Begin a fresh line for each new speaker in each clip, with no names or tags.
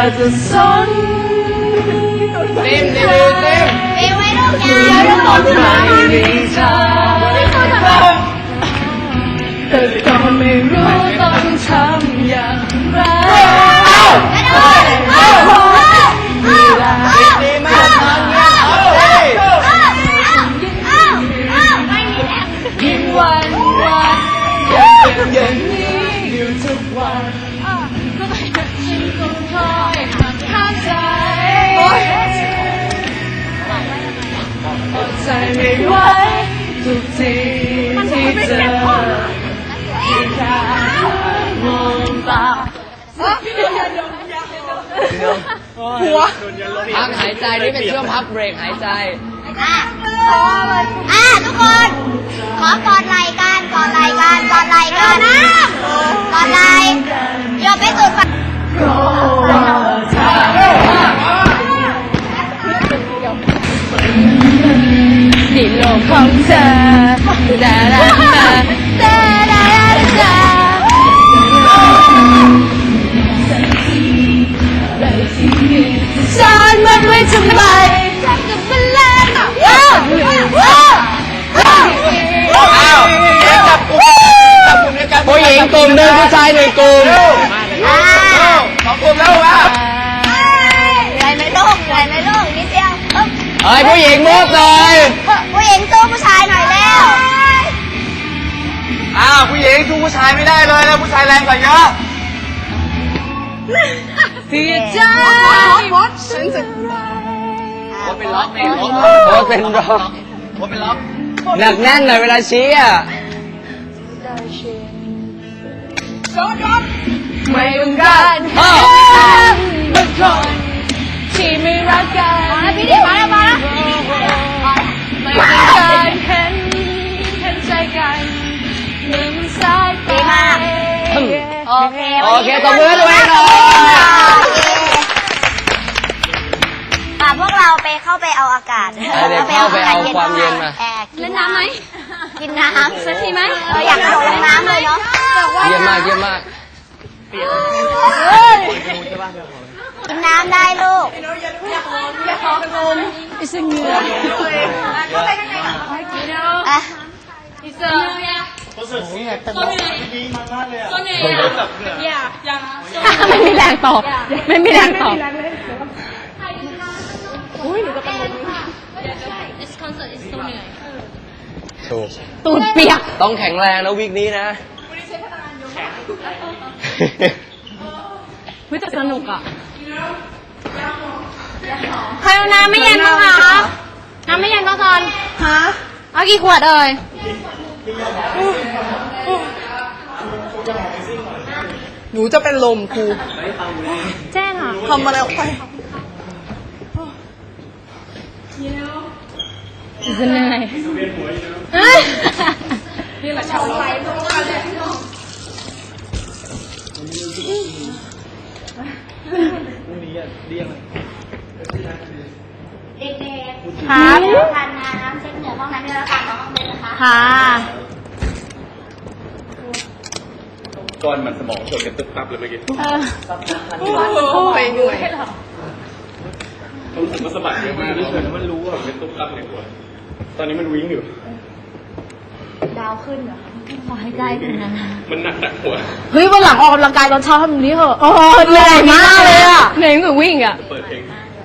จะสนเต็มเต็มเต็ม
เร็วไว้ลูกยา
ไม่มีเธอแต่ก็ไม่รู้ต้องทำอย่างไรดีมากทางเนี้ยยิ่งวันวันอย่างนี้อยู่ทุกวันฉันคงคอยหักห้ามใจอดใจไม่ไหวทุกทีที่เจอที่แค่มองตาหัวพักหายใจนี่เป็นช่วงพักเบรกหายใจ
ทุกคนขอกอดไหล่กันกอดไหล่กันกอดไหล่กันกอดไหล่โยนไปสุดฝั่ง
ที่โลกของเธอดาดาดาดาดาดาซ่อนมันไว้ทำไมกับมันแรงผู้หญิงกลุ่มหนึ่งผู้ชายหนึ่งกลุ่มสองกลุ่มแล้วว่ะ
ใหญ่ไหมลูกใหญ่ไหมลูกนิดเดียว
เฮ้ยผู้หญิงมุกเลย
ผู้หญิงสู้ผู้ชายหน่อยแล้ว
ผู้หญิงสู้ผู้ชายไม่ได้เลยแล้วผู้ชายแรงกว่าเยอะเสียใจฉันจะว่าเป็นล็อกว่าเป็นล็อกว่าเป็นล็อกหนักแน่นหน่อยเวลาชี้ไม่ต้องการบางคนที่ไม่รักกัน
พี่ดิมาแล้ว
ไม่ต้องการเห็นใจกันเหมือนสายตา
โอเค
ตบมือด้วยหน่อย
พวกเราไปเข้าไปเอาอากาศ
เข้าไปเอาความเย็นมา
เล่นน้ำไหมกินน้ำสักทีไหมอยากลงน้ำเลยเนาะ
เยี่ยมมากกิ
นน้ำได้ลูก
อย่าขอลมอิสเงีย
เข้าไปข้างในก่อน
อิสเงียไม่มีแรงตอบไม่มีแรงตอบตูดเปียกต้องแข็งแรงนะวีคนี้นะเฮ้ยแต่สนุกอ่ะใครเอาน้ำไม่เย็นบ้างคะน้ำไม่เย็นก็ตอนฮะเอากี่ขวดเอ่ย
หนูจะเป็นลมครู
แจ้งอ่ะ
ทำอะไรออกไป
จะเหนื่อยนี่แหละชาวไทย
เด็กๆครับทานน้ำเช็ดเหงื่อห้องน้ำแล้วกันห้องน้ำนะคะ
ค่ะ
ก้อนมันสมองชนกันตึ๊บตับเลยเมื่อกี้
ไปเหนื่อย
ผมก็สะบัดเยอะมากเลยมันรู้ว่าเป็นตุ๊บตับในหัวตอนนี้มันวิ่งอยู่
ดาวขึ้นเหรอขอให้ได้กันนะ
มันหนักหัว
เฮ้ยวันหลังออกกำลังกายตอนเช้าทำแบบนี้เหรอโอ้เหนื่อยมากเลยอ่ะเหนื่อยเหมือนวิ่งอ่ะ
เปิดเพลง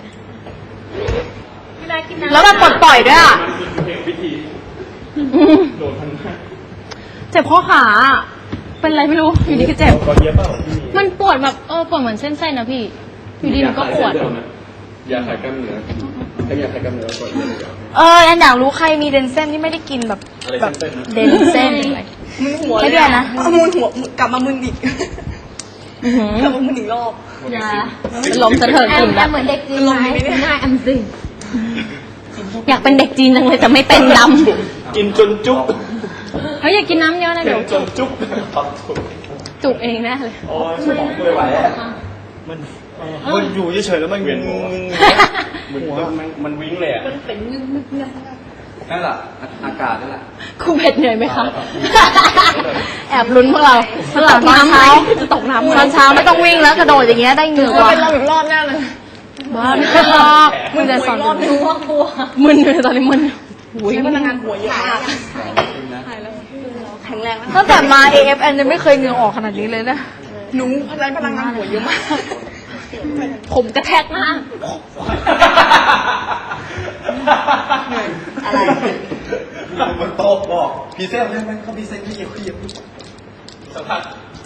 แล้วแบบปล่อยด้วยอ่ะ
วิธีโดนพัน
เจ็บข้อขาเป็นไรไม่รู้อยู่ดีก็เจ็บมันปวดแบบปวดเหมือนเส้นๆนะพี่อยู่ดีมันก็ปวด
ยาคลายกล้ามเนื้อถ้ายาคลายกล้ามเนื้อก่อนเย
อะอันอยากรู้ใครมีเดนเซ่นที่ไม่ได้กินแบบเดนเซ่นอะไร
มึนหัว
เลยนะ
มึนหัวกลับมามึนอีกกลับมามึนอีกรอบ
ลมสะเทินกลุ่ม
เหมือนเด็กจีนไหม
ง่ายอันสิอยากเป็นเด็กจีนจังเลยแต่ไม่เป็นด
ำกินจนจุ๊บ
เฮ้ยอยากกินน้ำเยอะนะเดี๋ยว
จนจุ๊บ
จุกเองแน่เลย
โอ้ยสมองไม่ไหวมันอยู่เฉยๆแล้วมัน
วิ่ง
มันวิ่งเลยอ่ะ
นั่นแหละอากาศนั่นแหละ
ครูเผ็ดเหนื่อยไหมคะ แอบลุ้นพวกเราตอนเช้าจะตกน้ำตอนเช้าไม่ต้องวิ่งแล้วกระโดดอย่างเงี้ยได้เหงื่อกว่า
เป็นเราอีกรอบแน่เลย
บ้าไม่เป็นรอบมึงจะสอนมึนเลยตอนนี้มึน
ใช้พลังงานหัวเยอะมาก
แข็งแรง
ตั้งแต่มา AFN ยังไม่เคยเหงื่อออกขนาดนี้เลยนะหนูใช้พลังงานหัวเยอะมาก
ผมกระแทกหน้า
อะไร
บนโต๊ะบอกพีเซลใช่ไหมเขาพีเซลที่เกี่ยวสัมผัส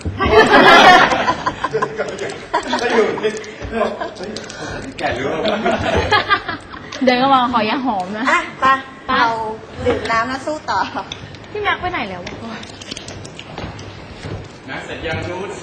ก็อยู่นี่แก่หรือเปล่า
เดินเข้ามาขอยาหอมนะ
อ่ะไปเราดื่มน้ำแล้วสู้ต่อ
พี่แม็กไปไหนแล้ว
นะเสร็จยังนูด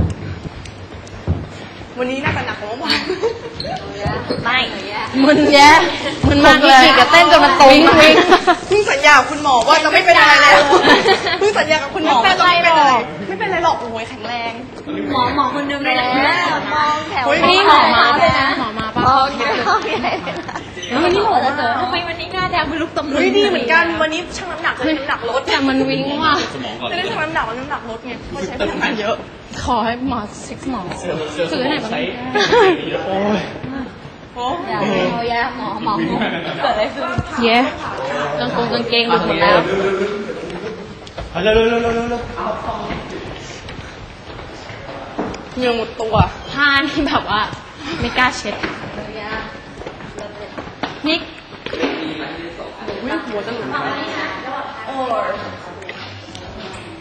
วันนี้น่าจะหนักกว่าเมื่อวาน
ไม่มึนแย่มันมาอีกกับเต้นจนมันตรงวิ่ง
เพิ่งสัญญากับคุณหมอว่าจะไม่เป็นอะไรแล้วเพิ่งสัญญากับคุณหมอว่าจะไม่เป็นอะไรไม่เป็นไรหรอกโอ้ยแข็งแรง
หมอคนเดิมเลย
มองแถว
นี่หมอมาเลยนะหมอมาป่ะ
โอเคโอเค
แล้ววันนี้หมอจะเจอทำไมวันนี้หน้าแดงเป็นลูกตำลึง
เฮ้ยดีเหมือนกันวันนี้ชั่งน้ำหนักเลยน้ำหนักลด
แต่มันวิ่งว่ะ
สมองก่อน
จะได้ชั่งน้ำหนักแล้วน้ำหนักลดไงเพราะใช้พลังงานเยอะ
ขอให้หมอเช็คหมอซื้อไหนบ้าง
โอ้ย
โอ้
แย่หมอเกิดอะไรขึ้นเย้กางเกงหลุดหมดแล้ว
เร็วเร็วเร็วเร็วเร็ว
เหงื่อหมดตัว
ผ้านี่แบบว่าไม่กล้าเช็ดนิก
วิ่งหัวจะหลุดโอ้ย